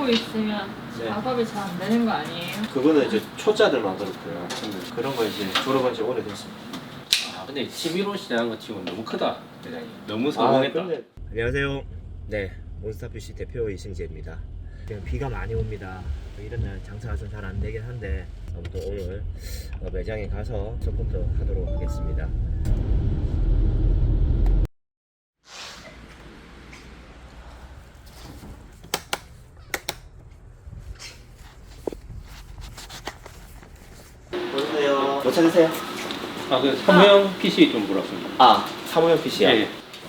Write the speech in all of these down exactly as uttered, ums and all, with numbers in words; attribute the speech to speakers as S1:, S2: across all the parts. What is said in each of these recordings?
S1: 보고 있으면
S2: 네.
S1: 작업이 잘 안 되는 거 아니에요?
S2: 그거는 이제 초짜들만 그렇고요. 그런 거 이제 졸업한 지 오래됐습니다.
S3: 아 근데 십일 호 시장한 거 치고는 너무 크다 대장님. 너무
S2: 아,
S3: 성공했다.
S2: 근데... 안녕하세요. 네, 몬스타피쉬 대표 이승재입니다. 지금 비가 많이 옵니다. 이런 날 장사가 좀 잘 안 되긴 한데 아무튼 오늘 매장에 가서 서포트 하도록 하겠습니다. 어서오세요. 뭐 찾으세요?
S3: 아그 사무용 피씨 좀 물었습니다.
S2: 아, 사무용 피씨요?
S3: 예.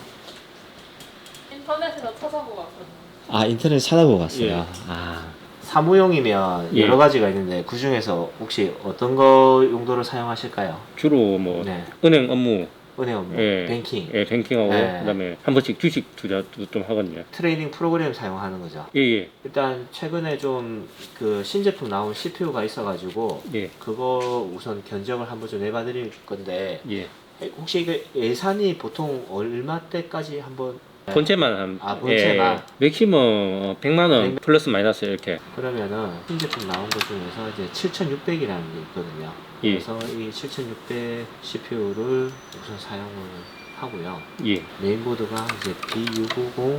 S1: 인터넷에서 찾아보고 왔거든요.
S2: 아, 인터넷 찾아보고 갔어요.
S3: 예.
S2: 아, 사무용이면
S3: 예.
S2: 여러 가지가 있는데 그 중에서 혹시 어떤 거 용도로 사용하실까요?
S3: 주로 뭐
S2: 네.
S3: 은행 업무,
S2: 은행 업무,
S3: 예,
S2: 뱅킹,
S3: 예, 뱅킹하고
S2: 예.
S3: 그다음에 한 번씩 주식 투자도 좀 하거든요.
S2: 트레이딩 프로그램 사용하는 거죠.
S3: 예, 예,
S2: 일단 최근에 좀 그 신제품 나온 씨피유가 있어가지고
S3: 예,
S2: 그거 우선 견적을 한번 좀 내봐드릴 건데
S3: 예.
S2: 혹시 이게 예산이 보통 얼마대까지 한번
S3: 본체만 한,
S2: 아, 본체만.
S3: 예, 맥시멈 백만 원
S2: 백-
S3: 플러스 마이너스 이렇게.
S2: 그러면은 신제품 나온 것 중에서 이제 칠천육백이라는 게 있거든요.
S3: 예.
S2: 그래서 이 칠천육백 씨피유를 우선 사용을 하고요.
S3: 예,
S2: 메인보드가 이제 비 육오공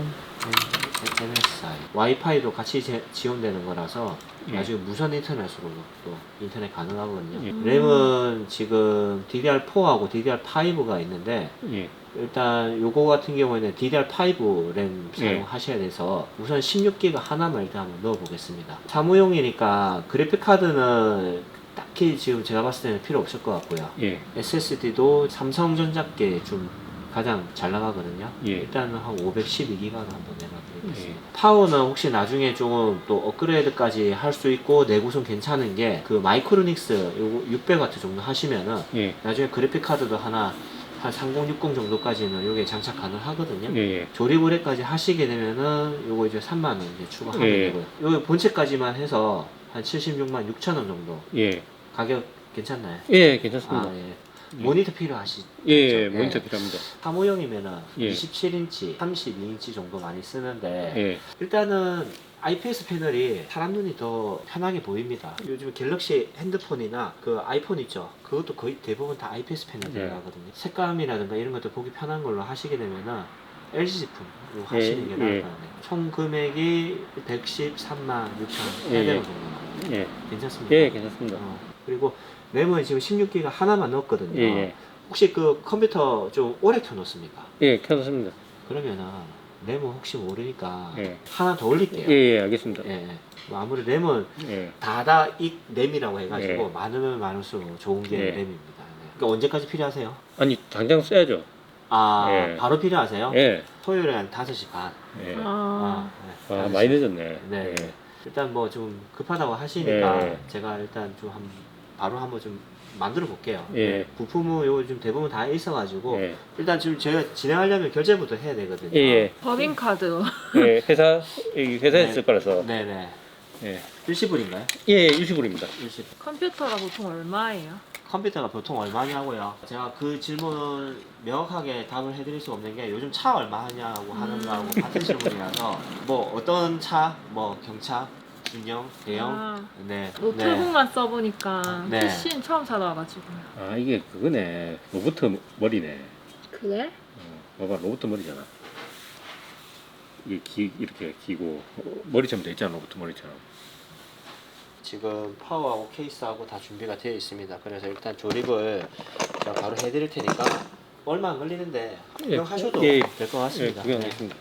S2: 엠에스아이 와이파이도 같이 제, 지원되는 거라서
S3: 예.
S2: 나중에 무선 인터넷으로 또 인터넷 가능하거든요.
S3: 예.
S2: 램은 지금 디디알 포하고 디디알 파이브가 있는데
S3: 예,
S2: 일단 요거 같은 경우에는 디디알 파이브 램
S3: 예.
S2: 사용하셔야 돼서 우선 십육 기가 하나만 일단 한번 넣어 보겠습니다. 사무용이니까 그래픽 카드는 딱히 지금 제가 봤을 때는 필요 없을 것 같고요.
S3: 예,
S2: 에스에스디도 삼성전자께 좀 가장 잘 나가거든요.
S3: 예.
S2: 일단은 한 오백십이 기가로 한번 내놔드리겠습니다.
S3: 예.
S2: 파워는 혹시 나중에 조금 또 업그레이드까지 할 수 있고 내구성 괜찮은 게 그 마이크로닉스 요거 육백 와트 정도 하시면은
S3: 예,
S2: 나중에 그래픽 카드도 하나 한 삼공육공 정도까지는 요게 장착 가능하거든요.
S3: 예, 예.
S2: 조립 의뢰까지 하시게 되면은 요거 이제 삼만 원 이제 추가하면
S3: 예.
S2: 되고요. 요 본체까지만 해서 한 칠십육만 육천 원 정도
S3: 예,
S2: 가격 괜찮나요?
S3: 예, 괜찮습니다.
S2: 아, 예. 모니터 필요하시죠?
S3: 예, 예,
S2: 예.
S3: 모니터 필요합니다.
S2: 사무용이면은
S3: 예.
S2: 이십칠 인치, 삼십이 인치 정도 많이 쓰는데
S3: 예,
S2: 일단은 아이피에스 패널이 사람 눈이 더 편하게 보입니다. 요즘 갤럭시 핸드폰이나 그 아이폰 있죠? 그것도 거의 대부분 다 아이피에스 패널
S3: 네.
S2: 들어가거든요. 색감이라든가 이런 것도 보기 편한 걸로 하시게 되면은 엘지 제품으로
S3: 예,
S2: 하시는 게 나을
S3: 예.
S2: 것 같네요. 총 금액이 백십삼만 육천 원,
S3: 예,
S2: 팔백 원
S3: 예.
S2: 정도 나와요.
S3: 예,
S2: 괜찮습니까?
S3: 예, 괜찮습니다.
S2: 어, 그리고 램은 지금 십육 기가 하나만 넣었거든요.
S3: 예, 예,
S2: 혹시 그 컴퓨터 좀 오래 켜놓습니까?
S3: 예, 괜찮습니다.
S2: 그러면은 램은 혹시 모르니까
S3: 예.
S2: 하나 더 올릴게요.
S3: 예, 예, 알겠습니다.
S2: 예, 예. 뭐 아무리 램은
S3: 예,
S2: 다다익 램이라고 해가지고
S3: 예.
S2: 많으면 많을수록 좋은 게
S3: 예.
S2: 램입니다. 네. 그러니까 언제까지 필요하세요?
S3: 아니 당장 써야죠.
S2: 아
S3: 예.
S2: 바로 필요하세요?
S3: 예,
S2: 토요일에 한 다섯 시 반.
S3: 예.
S1: 아,
S2: 아, 네.
S3: 아,
S2: 다섯 시.
S3: 많이 늦었네.
S2: 네.
S3: 예.
S2: 일단 뭐 좀 급하다고 하시니까
S3: 예.
S2: 제가 일단 좀 한 바로 한번 좀 만들어 볼게요.
S3: 예.
S2: 부품은 요 좀 대부분 다 있어가지고
S3: 예.
S2: 일단 지금 제가 진행하려면 결제부터 해야 되거든요.
S3: 예, 예.
S1: 법인카드.
S3: 예, 회사 여기 회사에
S2: 네.
S3: 쓸 거라서.
S2: 네네.
S3: 예,
S2: 일시불인가요?
S3: 예, 예, 유시불입니다.
S2: 일시불.
S1: 컴퓨터가 보통 얼마예요?
S2: 컴퓨터가 보통 얼마냐고요? 제가 그 질문 명확하게 답을 해드릴 수 없는 게 요즘 차 얼마 하냐고 하는 거하고 같은 질문이라서 뭐 어떤 차, 뭐 경차, 중형, 대형,
S1: 아,
S2: 네,
S1: 노트북만 써보니까
S2: 네.
S1: 피씨는 처음 사다와가지고.
S3: 아, 이게 그거네. 로봇 머리네.
S1: 그래?
S3: 어, 봐봐, 로봇 머리잖아. 이게 기, 이렇게 기고 머리처럼 돼 있잖아, 로봇 머리처럼.
S2: 지금 파워하고 케이스하고 다 준비가 되어 있습니다. 그래서 일단 조립을 제가 바로 해드릴 테니까 얼마 안 걸리는데 구경하셔도
S3: 예,
S2: 될 것
S3: 예,
S2: 같습니다. 네.
S3: 구경하겠습니다.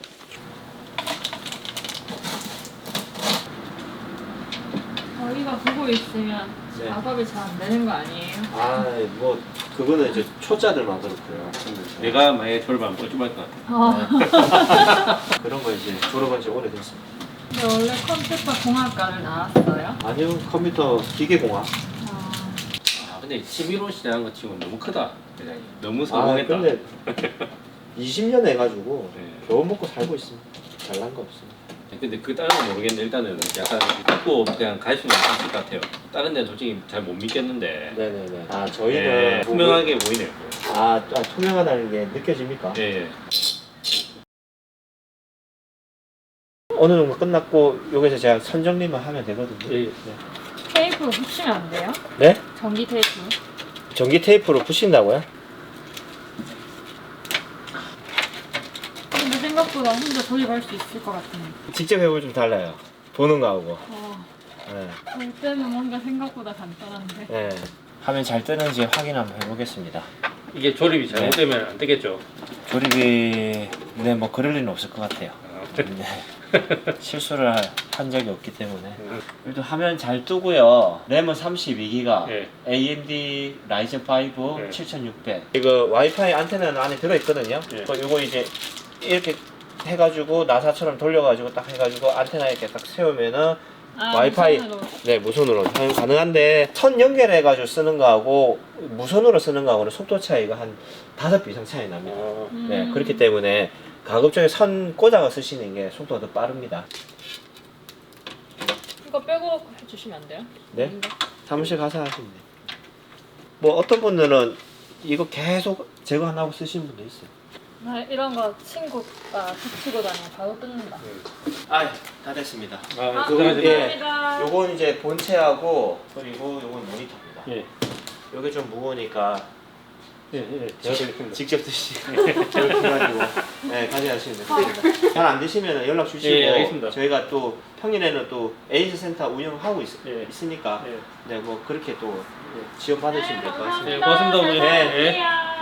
S1: 저희가 보고 있으면
S2: 네.
S1: 작업이 잘 안 되는 거 아니에요?
S2: 아, 뭐 그거는 이제 초짜들만 그렇고요.
S3: 내가 만약에 졸업하면 뻘쭘할 것 같아.
S1: 아,
S2: 그런 거 이제 졸업한 지 오래됐습니다.
S1: 근데 원래 컴퓨터 공학과를 나왔어요?
S2: 아니요, 컴퓨터 기계공학.
S1: 아,
S3: 아, 근데 십일 호 시장한 거 치고는 너무 크다, 대장님. 너무
S2: 아,
S3: 성공했다.
S2: 근데 이십 년 해가지고
S3: 네.
S2: 겨우 먹고 살고 있습니다. 잘난 거 없습니다.
S3: 근데 그 다른 건 모르겠는데 일단은 약간 믿고 그냥 갈 수는 있을 것 같아요. 다른 데는 솔직히 잘 못 믿겠는데.
S2: 네네네. 아, 저희는
S3: 예, 투명하게 보이네요.
S2: 아, 아, 투명하다는 게 느껴집니까?
S3: 예, 예.
S2: 어느 정도 끝났고 여기서 제가 선정리만 하면 되거든요.
S3: 예.
S1: 테이프로 붙이면 안 돼요?
S2: 네?
S1: 전기 테이프.
S2: 전기 테이프로 붙인다고요?
S1: 근데 생각보다 혼자 조립할 수 있을 것 같은데.
S2: 직접 해보면 좀 달라요. 보는 거하고.
S1: 어,
S2: 네.
S1: 볼 때는 뭔가 생각보다 간단한데.
S2: 네. 화면 잘 뜨는지 확인 한번 해보겠습니다.
S3: 이게 조립이 잘못되면 안 되겠죠.
S2: 조립이 네, 뭐 그럴 리는 없을 것 같아요.
S3: 아,
S2: 네. 실수를 하- 한 적이 없기 때문에.
S3: 음.
S2: 일단 화면 잘 뜨고요. 램은 삼십이 기가,
S3: 예.
S2: 에이엠디 라이젠 파이브
S3: 예.
S2: 칠천육백. 이거 와이파이 안테나는 안에 들어있거든요.
S3: 예.
S2: 그 이거 이제 이렇게 해가지고 나사처럼 돌려가지고 딱 해가지고 안테나 이렇게 딱 세우면은
S1: 아,
S2: 와이파이
S1: 무선으로.
S2: 네 무선으로 사용 가능한데 선 연결해가지고 쓰는 거하고 무선으로 쓰는 거하고는 속도 차이가 한 다섯 배 이상 차이 납니다.
S3: 어,
S1: 음.
S2: 네 그렇기 때문에 가급적이 선 꽂아서 쓰시는 게 속도가 더 빠릅니다.
S1: 이거 빼고 해주시면 안 돼요?
S2: 네?
S1: 아닌가?
S2: 사무실 가서 하시면 돼요. 뭐 어떤 분들은 이거 계속 제거 안 하고 쓰시는 분도 있어요.
S1: 나 이런 거 친구가 붙이고 다니면 바로 뜯는다.
S2: 아, 다 됐습니다.
S3: 아,
S1: 아,
S3: 그거
S2: 예.
S1: 감사합니다.
S2: 요건 이제 본체하고 그리고 요건 모니터입니다.
S3: 예.
S2: 요게 좀 무거우니까
S3: 예, 예. 제가 드리겠습니다.
S2: 직접 드시고 이렇게 해가지고 네, 가져가시면 됩니다. 잘 안 되시면 연락 주시고
S3: 예, 알겠습니다.
S2: 저희가 또 평일에는 또 에이스 센터 운영하고 있,
S3: 예.
S2: 있으니까
S3: 예.
S2: 네, 뭐 그렇게 또 지원 받으시면 될 것 같습니다.
S3: 네, 고맙습니다, 어머니.
S1: 잘
S2: 네.
S1: 부탁드려요.